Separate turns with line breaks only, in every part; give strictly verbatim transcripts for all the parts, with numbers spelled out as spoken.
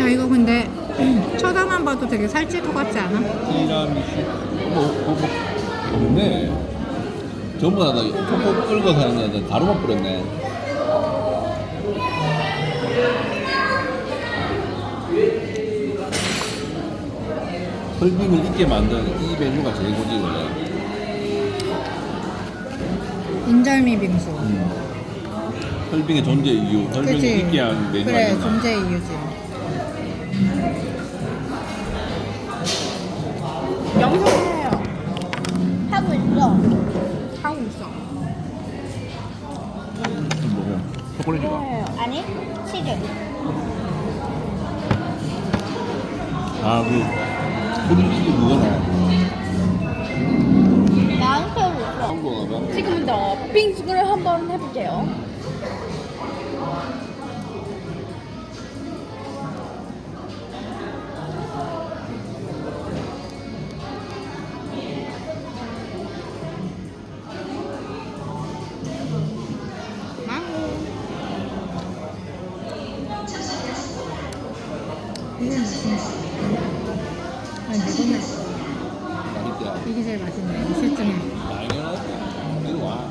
야 이거 근데 쳐다만 봐도 되게 살찔 것 같지 않아?
티라미슈. 뭐, 뭐, 뭐, 없네. 전부 다 톡톡 끓여서 하는 거 가루만 뿌렸네. 설빙을 있게 만든 이 메뉴가 제일 고지 원래.
인절미 빙수.
음. 설빙의 존재 이유, 설빙을
그치?
있게 한 메뉴
그래
아닌가?
존재 이유지.
영상해요. 하고 있어.
하고 있어.
뭐야? 초콜릿이가?
해요. 아니 치즈.
아, 그 크림치즈 그거네.
나한테 하고 있어.
한국어가 봐.
지금부터 빙수를 한번 해볼게요.
이게 맛있네. 아니 이거는
맛있다.
이게 제일 맛있네. 이 셋 중에.
당연하지. 이리 와.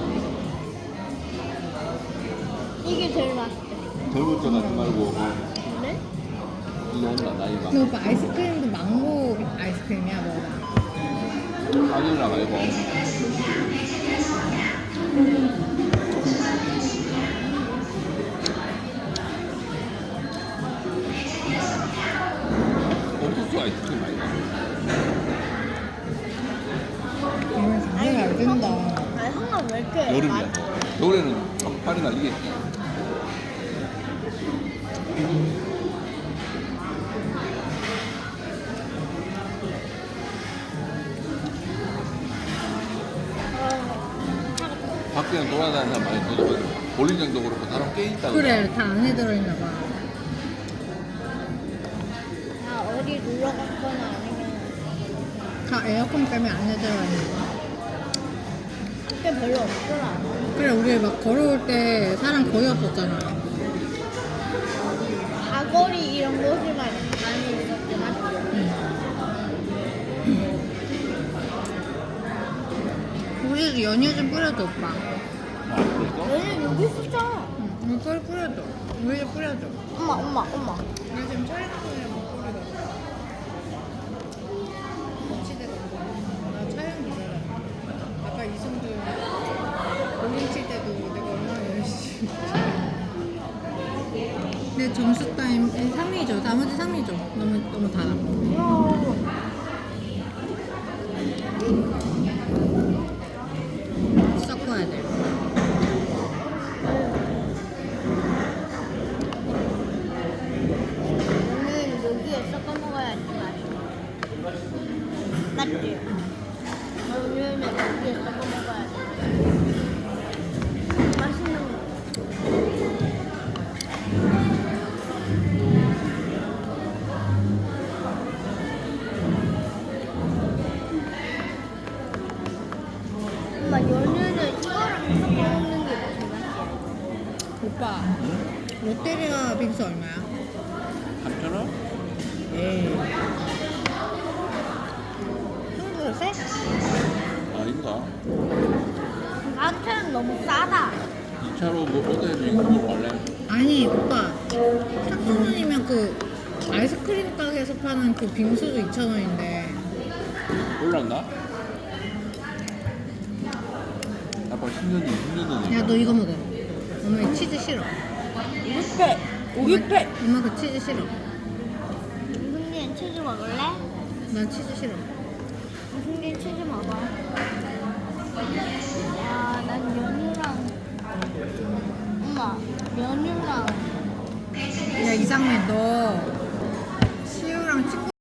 이게 제일 맛있대.
젊을 때 가지 말고
그래?
이거 온다 나이가.
근데 오빠 아이스크림도 망고 아이스크림이야 뭐가?
바닐라 말고. 옥수수 아이스크림 아니다.
이건 장난 잘 된다.
아니 항상 왜 이렇게
여름이야. 겨울에는 팔이 날리겠지. 밖에는 돌아다니는 사람 많이 들어가지고 볼링장도 그렇고 사람 꽤 있다.
그래 다 안에 들어있나 봐.
아 어디 놀러 갔거나 아니면
다 에어컨 때문에 안에 들어있는 거.
밖에 별로 없더라.
그래 우리 막 걸어올 때 사람 거의 없었잖아.
가거리 이런 곳에만 많이 있었지 맞지?
우리도 연유 좀 뿌려줘 오빠.
아, 그랬어?
얘는 여기 있었잖아.
응, 이걸 뿌려줘. 우유 뿌려줘.
엄마 엄마 엄마.
나 지금 촬영중이라 못 뿌리거든. 거치대가 나 촬영 기자라. 아까 이승도 볼링 칠 때도 내가 얼마나 열심히. 내 점수 타임 삼 위죠. 나머지 삼 위죠. 너무 너무 달아. 섞어야 돼.
오늘 여기에 섞어 먹어야지 맛있어. 맞지? 오늘은 여기에 섞어 먹어야지. 맛있는 거. 엄마 연유는 이거랑 섞어 먹는 게 무슨 맛이야?
오빠 롯데리아 빙수 얼마야?
삼천 원?
에이. 한 그릇에?
아닌가?
나한테는 너무 싸다.
이 차로 뭐 어디에서 이거 먹으러 갈래?
아니 오빠 삼천 원이면 그 아이스크림 가게에서 파는 그 빙수도 이천 원인데
올랐나? 아빠 십 년 전, 십 년 전에.
야 너 이거 먹어. 엄마 이 치즈 싫어.
우유팩! 우유팩!
엄마 그 치즈 싫어.
무슨 치즈 먹을래?
난 치즈 싫어.
무슨 치즈 먹어? 야, 난 연유랑 엄마, 연유랑
야 이상민 너